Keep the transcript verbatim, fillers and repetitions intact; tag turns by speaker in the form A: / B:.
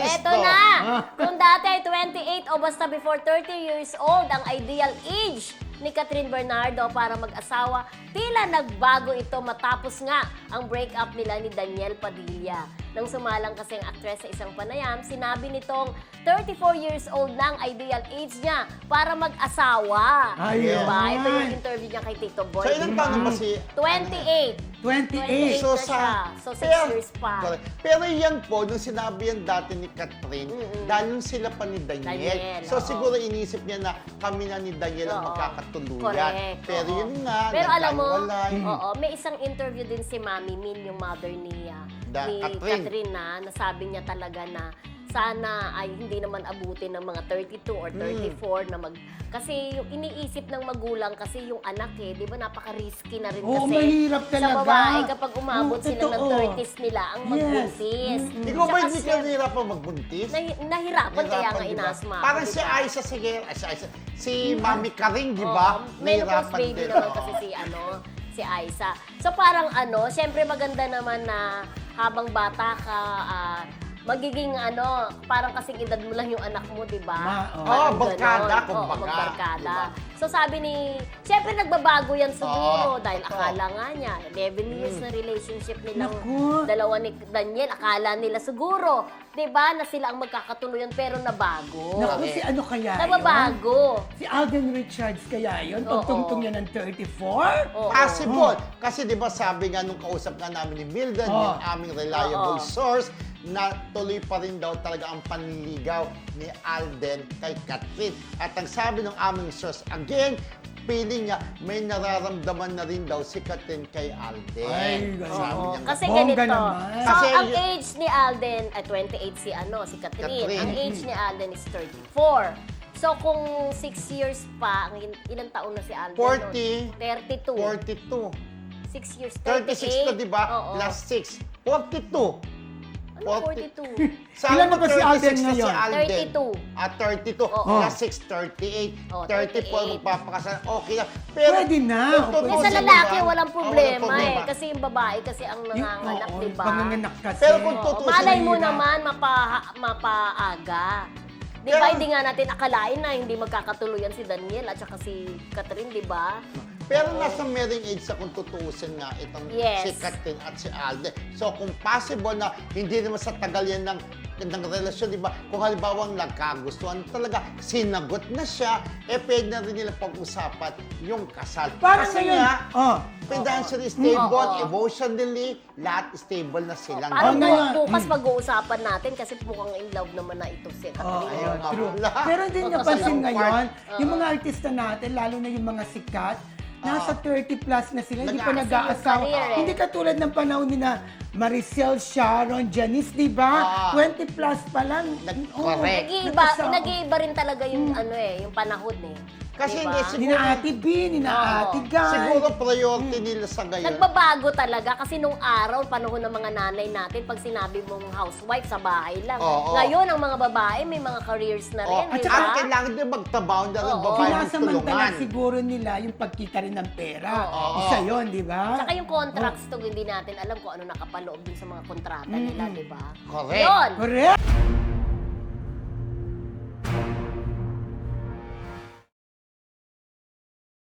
A: Eto
B: to.
A: na! Kung dati ay twenty-eight o basta before thirty years old ang ideal age ni Catherine Bernardo para mag-asawa, tila nagbago ito matapos nga ang breakup nila ni Daniel Padilla. Nang sumalang kasi ang aktres sa isang panayam, sinabi nitong thirty-four years old na ang ideal age niya para mag-asawa.
C: Ayun.
A: Diba? Ito yung interview niya kay Tito Boy.
B: So, ilang taon na ba si...
A: twenty-eight.
C: twenty-eight.
A: So,
B: So,
A: sa,
B: sa...
A: so six
B: pero-
A: years pa.
B: Correct. Pero yan po, nung sinabi yan dati ni Catherine, dahil nung sila pa ni Daniel.
A: Daniel,
B: so
A: oo.
B: siguro inisip niya na kami na ni Daniel ang
A: Oo.
B: magkakatuluyan.
A: Correct.
B: Pero
A: oo.
B: yun nga,
A: Pero alam mo,
B: nagkahiwalay.
A: oo, may isang interview din si Mami Min, yung mother ni, ah,
B: Da-
A: ni
B: Catherine.
A: Catherine na, nasabi niya talaga na sana ay hindi naman abutin ng mga thirty-two or thirty-four na mag... Kasi yung iniisip ng magulang kasi yung anak eh, di ba napaka-risky na rin
C: Oo,
A: kasi
C: mahirap
A: sa
C: talaga.
A: babae kapag umabot
C: Oo,
A: sila ng
C: totoo.
A: thirties nila ang
C: Yes.
A: magbuntis.
B: Ikaw ba
A: Tsaka
B: hindi ka
A: siya-
B: nahihirapan magbuntis?
A: Nahi- nahirapan kaya nga
B: di ba?
A: inasma ako,
B: Parang
A: di
B: si
A: ba?
B: Aiza, sige, ay, si Aiza, si Mami Karing, di ba?
A: Oo, menopause baby naman kasi si ano, si Aiza. So parang ano, syempre maganda naman na habang bata ka, ah, magiging ano, parang kasing edad mo lang yung anak mo, di ba?
C: Ma- oo.
A: Parang
B: Oo, barkada,
A: ganon.
B: kumbaga,
A: Oo, magbarkada.
B: di
A: So sabi ni, syempre nagbabago yan siguro
B: Oo,
A: dahil
B: totoo.
A: akala nga niya, eleven years na relationship nilang
C: Naku.
A: dalawa ni Daniel, akala nila siguro, di ba, na sila ang magkakatuluyan pero nabago.
C: Naku, si ano kaya yun?
A: Nababago.
C: Si Alden Richards kaya yun?
A: Oo.
C: Pagtungtong niya ng thirty-four?
A: Oo.
B: Possible. Kasi di ba sabi nga nung kausap nga namin ni Milden,
C: Oh.
B: yung aming reliable
A: Oo.
B: source, na tuloy pa rin daw talaga ang panliligaw ni Alden kay Catherine. At ang sabi ng aming source, again, feeling niya may nararamdaman na rin daw si Catherine kay Alden.
C: Ay, ganun.
B: Sabi
A: Oo,
B: niya.
A: kasi
C: Bongga
A: ganito.
C: naman.
A: So,
B: Kasi
A: ang
B: y-
A: age ni Alden, ay twenty-eight si ano, si Catherine.
B: Catherine.
A: Ang age ni Alden is thirty-four. So, kung six years pa, ang il- ilang taon na si Alden?
B: forty,
A: nun? thirty-two.
B: forty-two.
A: six years,
B: thirty-six na,
A: thirty-eight.
B: di ba?
A: Oo.
B: Plus six. forty-two.
A: Ano forty-two?
B: Sabi
C: Ilan na
B: mo,
C: ba si Alden
B: thirty-six na si
C: ngayon?
B: Alden.
A: thirty-two.
B: At thirty-two.
A: Oo.
B: Plus six, thirty-eight.
A: Oo,
B: thirty-four,
A: thirty-eight.
B: magpapakasal. Okay na. Pero,
C: Pwede na.
B: kung
C: Pwede.
A: Eh, sa
B: tutuusin mo
A: lalaki,
B: ba?
A: walang
B: Ah,
A: problema,
B: walang
A: eh. Kasi yung babae kasi ang
C: Yung-
A: nanganganak,
C: oo,
A: di ba?
C: panganganak kasi.
B: Pero kung
A: Oo,
B: tutuusin
A: malay mo
C: Mahirap.
A: naman, mapa, mapaaga. Di ba,
B: Pero-
A: hindi nga natin akalain na hindi magkakatuluyan si Daniel at saka si Catherine, di ba?
B: Pero nasa marrying age sa kung tutuusin nga itong
A: Yes.
B: si Catherine at si Alden. So kung possible na hindi naman sa tagal yan ng, ng relasyon, di ba? Kung halimbawa nagkagustuhan talaga, sinagot na siya, eh pwede na rin nila pag-usapan yung kasal.
C: Parang
B: Kasi
C: ngayon,
B: nga,
C: oh,
B: financially stable,
A: Oo.
B: emotionally, lahat stable na silang
A: Parang
C: Oh,
A: bu-
C: ngayon,
A: bukas pag-uusapan natin kasi mukhang in love naman na ito si
C: Oo,
A: Catherine.
B: ayun,
C: oh, true.
B: wala.
C: Pero din
A: Oo,
C: napansin
B: kasi yung
C: ngayon,
A: part-
C: yung mga artista natin, lalo na yung mga sikat, nasa thirty plus na sila, hindi pa
B: Nag-aasal
A: yung
C: nag-aasawa.
A: career, eh.
C: Hindi katulad ng panahon ni na Maricel, Sharon, Janice, di ba?
B: Ah.
C: twenty plus pa lang.
B: Nag-
C: Oo,
B: correct.
A: Nag-iiba,
C: nag-asawa.
A: nag-iiba rin talaga yung ano eh, yung panahon eh.
B: Kasi
A: Diba?
B: hindi,
C: Ni na Ate B, ni na
A: Oo.
C: Ate Guy.
B: siguro priority nila sa ngayon.
A: Nagbabago talaga kasi nung araw, panahon ng mga nanay natin, pag sinabi mong housewife sa bahay lang.
B: Oo.
A: Ngayon, ang mga babae may mga careers na
B: Oh,
A: rin,
B: at
A: di
B: saka
A: ba?
B: kailangan din magtrabaho na rin
A: Oo.
B: babae ng
C: Sinasamantala
B: tulungan.
C: siguro nila yung pagkita rin ng pera.
B: Oo.
C: Isa yun, di ba?
A: Saka yung contracts to, hindi natin alam kung ano nakapaloob dun sa mga kontrata nila, di ba?
B: Correct.
A: Yun!
C: Correct?